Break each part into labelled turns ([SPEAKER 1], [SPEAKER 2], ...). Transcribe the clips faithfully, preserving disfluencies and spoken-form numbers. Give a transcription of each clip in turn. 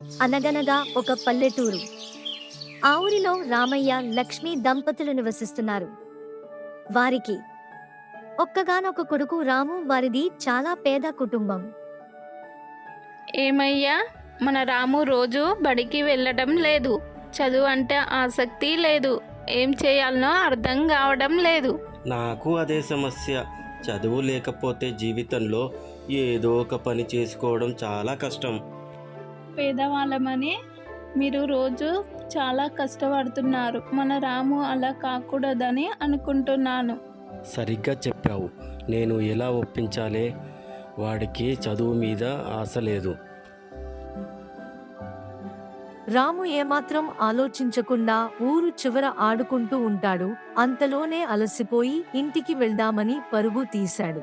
[SPEAKER 1] అనగనగా ఒక పల్లెటూరు. ఆ ఊరిలో రామయ్య, లక్ష్మి దంపతులు నివసిస్తున్నారు. వారికి ఒక్కగానొక కొడుకు రాము. వారిది చాలా పేద కుటుంబం.
[SPEAKER 2] ఏమయ్యా, మన రాము రోజు బడికి వెళ్ళడం లేదు. చదువు అంటే ఆసక్తి లేదు. ఏం చేయాలనో అర్థం కావడం లేదు.
[SPEAKER 3] నాకు అదే సమస్య. చదువు లేకపోతే జీవితంలో ఏదో ఒక పని చేసుకోవడం చాలా కష్టం.
[SPEAKER 2] పేదవాళ్ళమని మీరు రోజు చాలా కష్టపడుతున్నారు. మన రాము అలా కాకూడదని అనుకుంటున్నాను.
[SPEAKER 3] సరిగ్గా చెప్పావు. నేను ఎలా ఒప్పించాలే? వాడికి చదువు మీద ఆశ లేదు.
[SPEAKER 1] రాము ఏమాత్రం ఆలోచించకుండా ఊరు చివర ఆడుకుంటూ ఉంటాడు. అంతలోనే అలసిపోయి ఇంటికి వెళ్దామని పరుగు తీశాడు.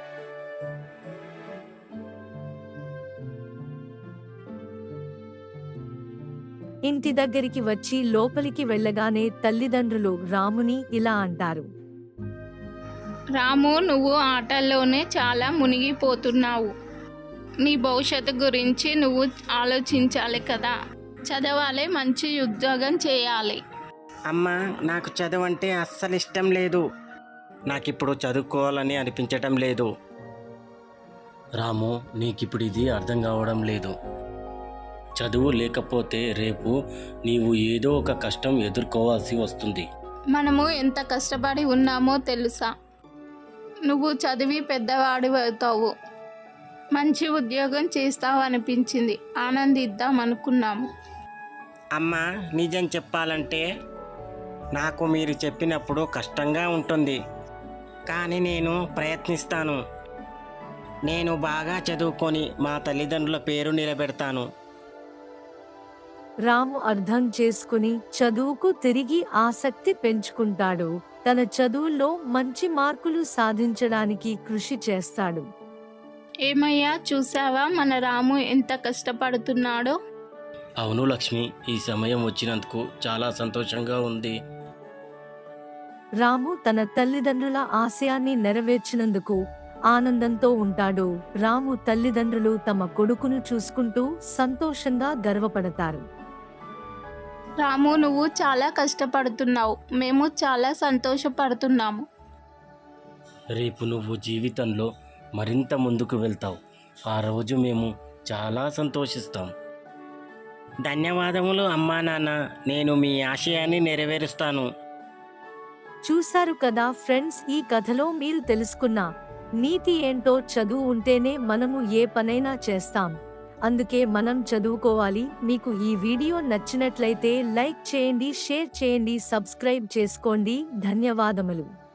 [SPEAKER 1] ఇంటి దగ్గరికి వచ్చి లోపలికి వెళ్ళగానే తల్లిదండ్రులు రాముని ఇలా అంటారు.
[SPEAKER 2] రాము, నువ్వు ఆటల్లోనే చాలా మునిగిపోతున్నావు. నీ భవిష్యత్తు గురించి నువ్వు ఆలోచించాలి కదా. చదవాలి, మంచి ఉద్యోగం చేయాలి.
[SPEAKER 4] అమ్మా, నాకు చదువు అంటే అస్సలు ఇష్టం లేదు.
[SPEAKER 3] నాకిప్పుడు చదువుకోవాలని అనిపించటం లేదు. రాము, నీకిప్పుడు ఇది అర్థం కావడం లేదు. చదువు లేకపోతే రేపు నీవు ఏదో ఒక కష్టం ఎదుర్కోవాల్సి వస్తుంది.
[SPEAKER 2] మనము ఎంత కష్టపడి ఉన్నామో తెలుసా? నువ్వు చదివి పెద్దవాడి అవుతావు, మంచి ఉద్యోగం చేస్తావు అనిపించింది. ఆనందిద్దాం అనుకున్నాము.
[SPEAKER 4] అమ్మా, నిజం చెప్పాలంటే నాకు మీరు చెప్పినప్పుడు కష్టంగా ఉంటుంది. కానీ నేను ప్రయత్నిస్తాను. నేను బాగా చదువుకొని మా తల్లిదండ్రుల పేరు నిలబెడతాను.
[SPEAKER 1] రాము అర్థం చేసుకుని చదువుకు తిరిగి ఆసక్తి పెంచుకుంటాడు. తన చదువుల్లో మంచి మార్కులు సాధించడానికి కృషి చేస్తాడు.
[SPEAKER 2] ఏమయ్యా, చూసావా మన రాము ఎంత కష్టపడుతున్నాడో?
[SPEAKER 3] అవును లక్ష్మి, ఈ సమయం వచ్చినందుకు చాలా సంతోషంగా ఉంది.
[SPEAKER 1] రాము తన తల్లిదండ్రుల ఆశయాన్ని నెరవేర్చినందుకు ఆనందంతో ఉంటాడు. రాము తల్లిదండ్రులు తమ కొడుకును చూసుకుంటూ సంతోషంగా గర్వపడతారు.
[SPEAKER 2] రాము, నువ్వు చాలా కష్టపడుతున్నావు. మేము చాలా సంతోషపడుతున్నాము.
[SPEAKER 3] రేపు నువ్వు జీవితంలో మరింత ముందుకు వెళ్తావు. ఆ రోజు మేము చాలా సంతోషిస్తాం.
[SPEAKER 4] ధన్యవాదములు అమ్మా నాన్న. నేను మీ ఆశయాన్ని నెరవేరుస్తాను.
[SPEAKER 1] చూశారు కదా ఫ్రెండ్స్, ఈ కథలో మీరు తెలుసుకున్న నీతి ఏంటో? చదువు ఉంటేనే మనము ఏ పనైనా చేస్తాం. అందుకే మనం చదువుకోవాలి. మీకు ఈ వీడియో నచ్చినట్లయితే లైక్ చేయండి, షేర్ చేయండి, సబ్స్క్రైబ్ చేసుకోండి. ధన్యవాదములు.